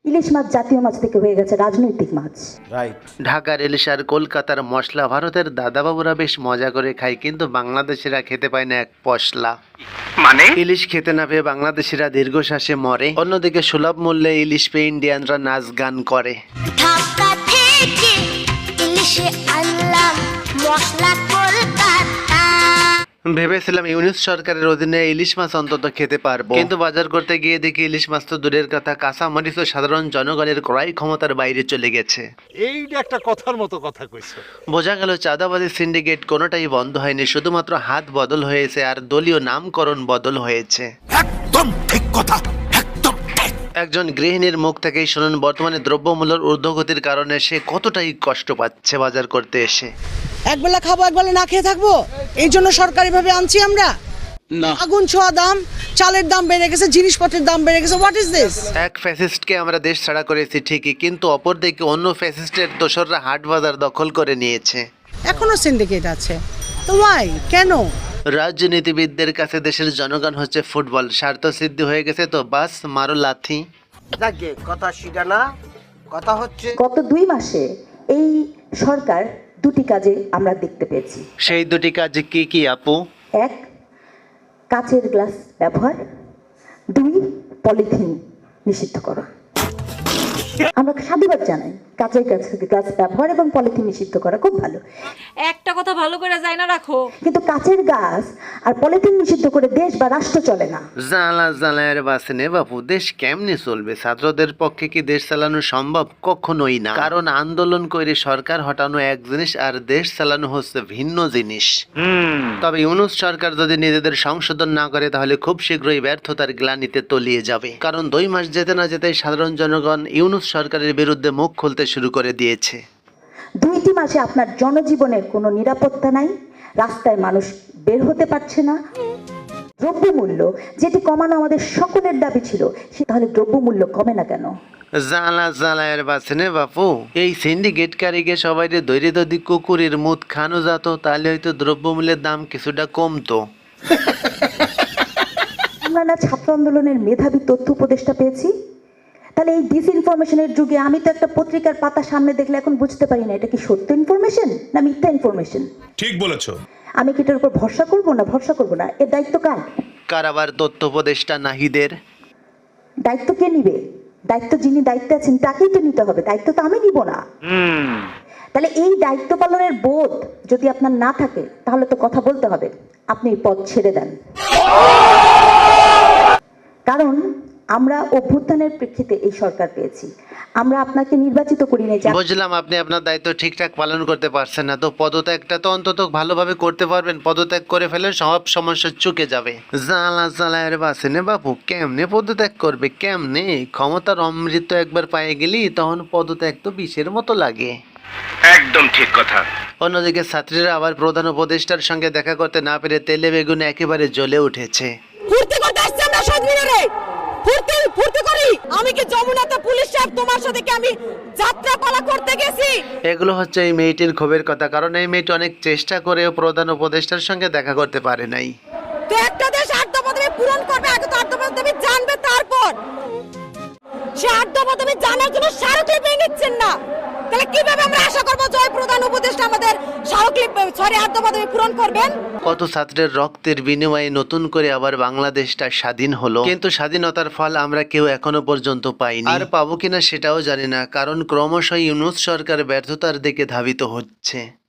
ইলিশ মাছ জাতীয় মাছ থেকে হয়ে গেছে রাজনৈতিক মাছ। রাইট। ঢাকার ইলিশ আর কলকাতার মশলা ভারতের দাদাবাবুরা বেশ মজা করে খায়, কিন্তু বাংলাদেশিরা খেতে পায় না এক পশলা। মানে ইলিশ খেতে না পেয়ে বাংলাদেশিরা দীর্ঘশ্বাসে মরে, অন্যদিকে সুলভ মূল্যে ইলিশ পেয়ে ইন্ডিয়ানরা নাচ গান করে। ঢাকা থেকে ইলিশে আনলাম মশলা কলকাতা। ভেবেছিলাম ইউনিস সরকারের অধীনে ইলিশ মাছ অন্তত খেতে পারবো, কিন্তু বাজার করতে গিয়ে দেখি ইলিশ মাছ তো দূরের কথা, কাঁচা মরিচ সাধারণ জনগণের ক্রয় ক্ষমতার বাইরে চলে গেছে। এইটা একটা কথার মতো কথা কইছো। বোঝা গেল চাঁদাবাজি সিন্ডিকেট কোনোটাই বন্ধ হয়নি, শুধুমাত্র হাত বদল হয়েছে আর দলীয় নামকরণ বদল হয়েছে। একদম ঠিক কথা, একদম ঠিক। একজন গৃহিণীর মুখ থেকেই শুনুন বর্তমানে দ্রব্যমূল্যের ঊর্ধ্বগতির কারণে সে কতটাই কষ্ট পাচ্ছে বাজার করতে এসে। একবেলা খাবো একবেলা না খেয়ে থাকবো, এই জন্য সরকারিভাবে আনছি আমরা। আগুন ছোঁয়া দাম, চালের দাম বেড়ে গেছে, জিনিসপত্রের দাম বেড়ে গেছে। What is this? এক ফ্যাসিস্টকে আমরা দেশ ছাড়া করেছি ঠিকই, কিন্তু অপরদিকে অন্য ফ্যাসিস্টের দোসররা হাট বাজার দখল করে নিয়েছে। এখনো সিন্ডিকেট আছে তো ওয়াই, কেন? রাজনীতিবিদদের কাছে দেশের জনগণ হচ্ছে ফুটবল, স্বার্থ সিদ্ধি হয়ে গেছে তো বাস মারো লাথি। যাকে কথা সেটা না, কথা হচ্ছে গত 2 মাসে এই সরকার দুটি কাজে আমরা দেখতে পেয়েছি। সেই দুটি কাজ কি কি আপু? 1, কাচের গ্লাস ব্যবহার, 2, পলিথিন নিষিদ্ধ করা। আমরা সাধুবাদ জানাই, কাচের গ্লাস ব্যবহার এবং পলিথিন নিষিদ্ধ করা খুব ভালো। একটা কথা ভালো করে যায় না রাখো, কিন্তু কাচের গ্লাস আর পলিথিন নিষিদ্ধ করে দেশ বা রাষ্ট্র চলে না। জ্বালা জ্বালায়ের বাসনে বাপু, দেশ কেমনে চলবে? ছাত্রদের পক্ষে কি দেশ চালানো সম্ভব? কখনোই না, কারণ আন্দোলন করে সরকার হটানো এক জিনিস আর দেশ চালানো হচ্ছে ভিন্ন জিনিস। তবে ইউনূস সরকার যদি নিজেদের সংশোধন না করে তাহলে খুব শীঘ্রই ব্যর্থতার গ্লানিতে তলিয়ে যাবে, কারণ 2 মাস যেতে না যেতেই সাধারণ জনগণ ইউনূস সরকারের বিরুদ্ধে মুখ খুলতে শুরু করে দিয়েছে। 2টি মাসে আপনার জনজীবনের কোনো নিরাপত্তা নাই, রাস্তায় মানুষ বের হতে পারছে না। দ্রব্যমূল্য যেটি কমানো আমাদের সকলের দাবি ছিল, সে তাহলে দ্রব্যমূল্য কমে না কেন? জ্বালা জ্বালায়ের বাসনে বাপু, এই সিন্ডিকেট কারিকে সবাই দৈরে যদি কুকুরের মুখ খানো যেত তাহলে হয়তো দ্রব্যমূল্যের দাম কিছুটা কমতো। আমরা না ছাত্র আন্দোলনের মেধাবী তথ্য উপদেষ্টা পেয়েছি? তাহলে এই ডিসইনফরমেশনের যুগে আমি তো একটা পত্রিকার পাতা সামনে দেখলে এখন বুঝতে পারি না এটা কি সত্য ইনফরমেশন না মিথ্যা ইনফরমেশন। ঠিক বলেছো। আমি কি এটার উপর ভরসা করবো না এর দায়িত্ব কার? কারাবার তথ্য উপদেষ্টা নাহিদের। দায়িত্ব কে নিবে? দায়িত্ব যিনি দায়িত্বে আছেন তাকেই তো নিতে হবে, দায়িত্ব তো আমি নিব না। তাহলে এই দায়িত্ব পালনের বোধ যদি আপনার না থাকে তাহলে তো কথা বলতে হবে, আপনি পদ ছেড়ে দেন। কারণ আমরা অভ্যুত্থানের প্রেক্ষিতে এই সরকার পেয়েছি, আমরা আপনাকে নির্বাচিত করি নাই। বুঝলাম আপনি আপনার দায়িত্ব ঠিকঠাক পালন করতে পারছেন না, তো পদত্যাগটা তো অন্তত ভালোভাবে করতে পারবেন। পদত্যাগ করে ফেলে সব সমস্যা চুকে যাবে। জ্বালা জ্বালায়ের বাসনে বাপু, কেমনে পদত্যাগ করবে? কেমনে? ক্ষমতার অমৃত একবার পায়ে গেলি তখন পদত্যাগ তো বিষের মতো লাগে। একদম ঠিক কথা। অন্যদিকে ছাত্রীরা আবার প্রধান উপদেষ্টার সঙ্গে দেখা করতে না পেরে তেলে বেগুনে একেবারে জ্বলে উঠেছে। ফুর্তি করতে আসছি আমরা শহীদ মিনারে, ফুর্তি করি। আমি কি যমুনাতে পুলিশ সাহেব তোমার সাথে কি আমি যাত্রা পালা করতে গেছি? এগুলো হচ্ছে এই মেয়েটির ক্ষোভের কথা, কারণ এই মেয়েটি অনেক চেষ্টা করেও প্রধান উপদেষ্টার সঙ্গে দেখা করতে পারে নাই। তো একটা দেশ 8 দফা দাবি পূরণ করবে, আগে তো 8 দফা দাবি জানবে, তারপর সে 8 দফা দাবি জানার জন্য স্মারকলিপি পেয়ে নিচ্ছেন না। তাহলে কিভাবে আমরা আশা করব জয় প্রধান উপদেষ্টা আমাদের স্মারকলিপি 8 দফা দাবি পূরণ করবেন? কত ছাত্রের রক্তের বিনিময়ে নতুন করে আবার বাংলাদেশটা স্বাধীন হলো, কিন্তু স্বাধীনতার ফল আমরা কেউ এখনো পর্যন্ত পাইনি, আর পাবো কিনা সেটাও জানি না, কারণ ক্রমশ ইউনূস সরকার ব্যর্থতার দিকে ধাবিত হচ্ছে।